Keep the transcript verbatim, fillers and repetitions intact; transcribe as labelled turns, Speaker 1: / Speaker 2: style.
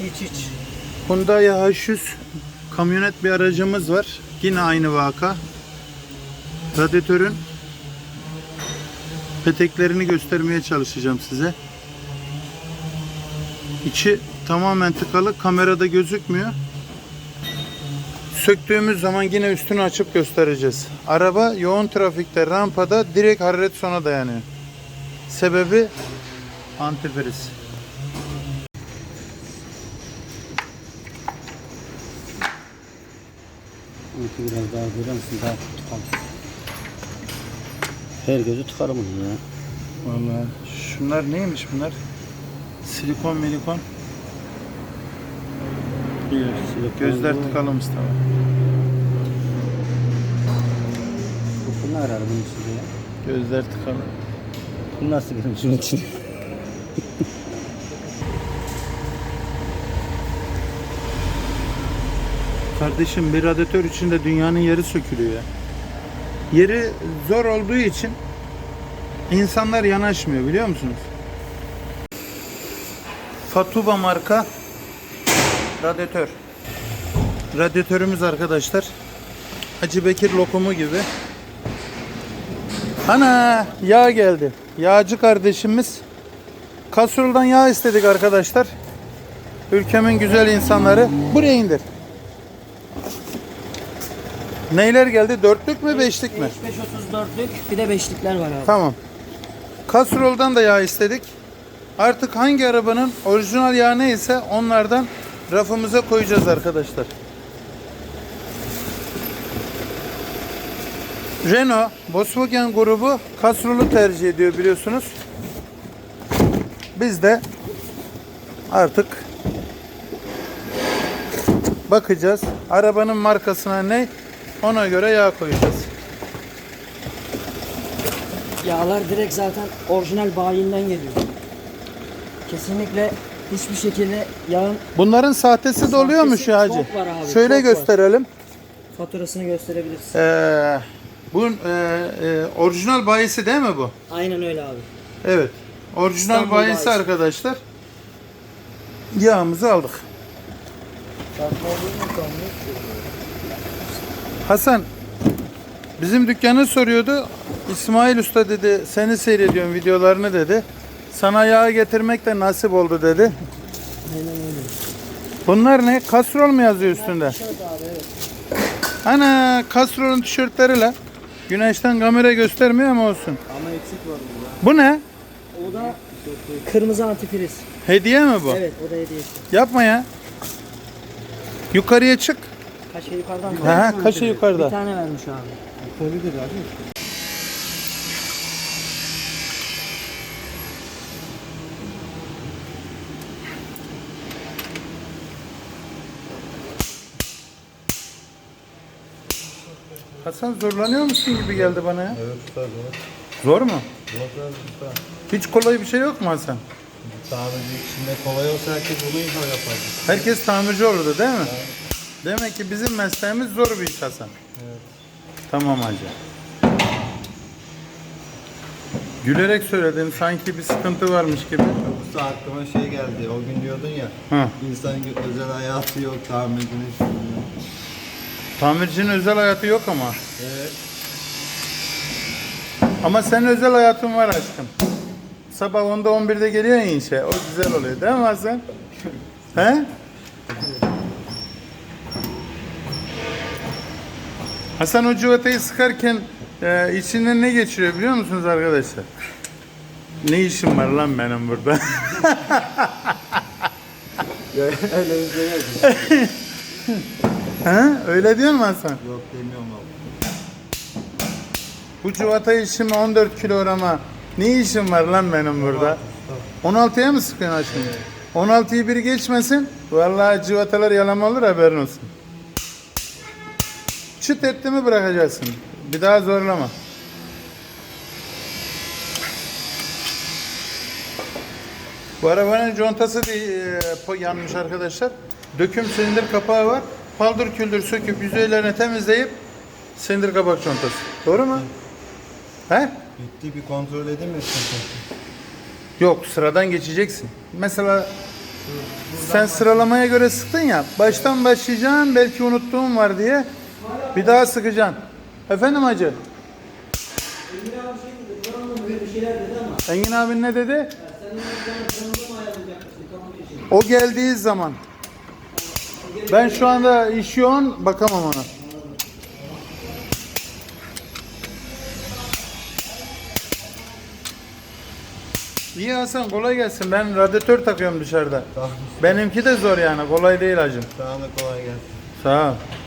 Speaker 1: Hiç hiç.
Speaker 2: Hyundai H yüz kamyonet bir aracımız var. Yine aynı vaka. Radyatörün peteklerini göstermeye çalışacağım size. İçi tamamen tıkalı. Kamerada gözükmüyor. Söktüğümüz zaman yine üstünü açıp göstereceğiz. Araba yoğun trafikte, rampada direkt hararet sona dayanıyor. Sebebi antifriz.
Speaker 1: Biraz daha görür müsün? Daha tıkalım. Her gözü tıkarım bunu ya.
Speaker 2: Vallahi şunlar neymiş bunlar? Silikon milikon.
Speaker 1: Silikon
Speaker 2: Gözler
Speaker 1: bu.
Speaker 2: tıkalı Mustafa.
Speaker 1: Bu ne arar bunun içinde ya?
Speaker 2: Gözler tıkalı.
Speaker 1: Bu nasıl girmiş bunun içine?
Speaker 2: Kardeşim bir radyatör içinde dünyanın yeri sökülüyor ya. Yeri zor olduğu için insanlar yanaşmıyor biliyor musunuz? Fatuba marka radyatör. Radyatörümüz arkadaşlar. Hacı Bekir lokumu gibi. Ana yağ geldi. Yağcı kardeşimiz. Kastroldan yağ istedik arkadaşlar. Ülkemin güzel insanları. Buraya indir. Neyler geldi? Dörtlük mü beşlik mi?
Speaker 3: beş otuz dörtlük bir de beşlikler var abi.
Speaker 2: Tamam. Kastroldan da yağ istedik. Artık hangi arabanın orijinal yağı neyse onlardan rafımıza koyacağız arkadaşlar. Renault, Volkswagen grubu kastrolü tercih ediyor biliyorsunuz. Biz de artık bakacağız. Arabanın markasına ne? Ona göre yağ koyacağız.
Speaker 3: Yağlar direkt zaten orijinal bayinden geliyor. Kesinlikle hiçbir şekilde yağın
Speaker 2: Bunların sahtesi de oluyormuş ya hacı.
Speaker 3: çok var abi,
Speaker 2: Şöyle
Speaker 3: çok var.
Speaker 2: gösterelim.
Speaker 3: faturasını gösterebilirsin.
Speaker 2: Ee, bu e, e, orijinal bayisi değil mi bu?
Speaker 3: Aynen öyle abi.
Speaker 2: Evet. Orijinal
Speaker 3: İstanbul
Speaker 2: bayisi
Speaker 3: bayisi.
Speaker 2: arkadaşlar. Yağımızı aldık. Hasan bizim dükkanı soruyordu. İsmail Usta dedi seni seyrediyorum videolarını dedi. Sana yağ getirmek de nasip oldu dedi.
Speaker 3: Aynen öyle.
Speaker 2: Bunlar ne? Kastrol mu yazıyor üstünde?
Speaker 3: Tişört abi evet.
Speaker 2: Ana kastrolün tişörtleriyle. Güneşten kamera göstermiyor ama olsun.
Speaker 1: Ama eksik var burada.
Speaker 2: Bu ne?
Speaker 3: O da kırmızı antifriz.
Speaker 2: Hediye mi bu?
Speaker 3: Evet o da hediyesi.
Speaker 2: Yapma ya. Yukarıya çık.
Speaker 3: Kaşe yukarıdan mı?
Speaker 2: Ha, kaşı
Speaker 3: Bir
Speaker 2: yukarıda.
Speaker 3: tane vermiş abi.
Speaker 1: Olabilir abi.
Speaker 2: Hasan zorlanıyor musun gibi geldi bana ya.
Speaker 4: Evet usta zor.
Speaker 2: Zor mu?
Speaker 4: Zor usta.
Speaker 2: Hiç kolay bir şey yok mu Hasan?
Speaker 4: Tamirci içinde kolay olsa herkes bunu inşallah yapar.
Speaker 2: Herkes tamirci olurdu değil mi? Demek ki bizim mesleğimiz zor bir iş Hasan.
Speaker 4: Evet.
Speaker 2: Tamam hacı. Gülerek söyledin sanki bir sıkıntı varmış gibi.
Speaker 4: Usta aklıma şey geldi. O gün diyordun ya.
Speaker 2: Ha.
Speaker 4: İnsanın özel hayatı yok. Tamircinin şu yok.
Speaker 2: Tamircinin özel hayatı yok ama.
Speaker 4: Evet.
Speaker 2: Ama senin özel hayatın var aşkım. Sabah onda on birde geliyor ya inşe. O güzel oluyor değil mi Hasan? He? Hasan o civatayı sıkarken e, içinden ne geçiriyor biliyor musunuz arkadaşlar? Ne işim var lan benim burada?
Speaker 4: Öyle bir şey yok.
Speaker 2: He? Öyle diyor mu Hasan?
Speaker 4: Yok demiyorum abi.
Speaker 2: Bu civatayı şimdi on dört kilograma ne işim var lan benim burada? on altıya mı sıkıyorsun aşkım? on altıyı biri geçmesin. Vallahi civatalar yalama olur haberin olsun. Çıt etti mi bırakacaksın. Bir daha zorlama. Bu arabanın contası değil, e, yanmış arkadaşlar. Döküm silindir kapağı var. Paldır küldür söküp yüzeylerini temizleyip silindir kapak contası. Doğru mu? He?
Speaker 4: Bitti bir kontrol edeyim mi?
Speaker 2: Yok sıradan geçeceksin. Mesela Sen sıralamaya göre sıktın ya. Baştan başlayacaksın. Belki unuttuğum var diye. Bir daha sıkacaksın. Efendim hacı? Engin abin ne dedi? O geldiği zaman. Ben şu anda iş yoğun, bakamam ona. İyi Hasan, kolay gelsin. Ben radyatör takıyorum dışarıda.
Speaker 4: Tamam.
Speaker 2: Benimki de zor yani, kolay değil hacım.
Speaker 4: Sana da kolay gelsin.
Speaker 2: Sağ ol.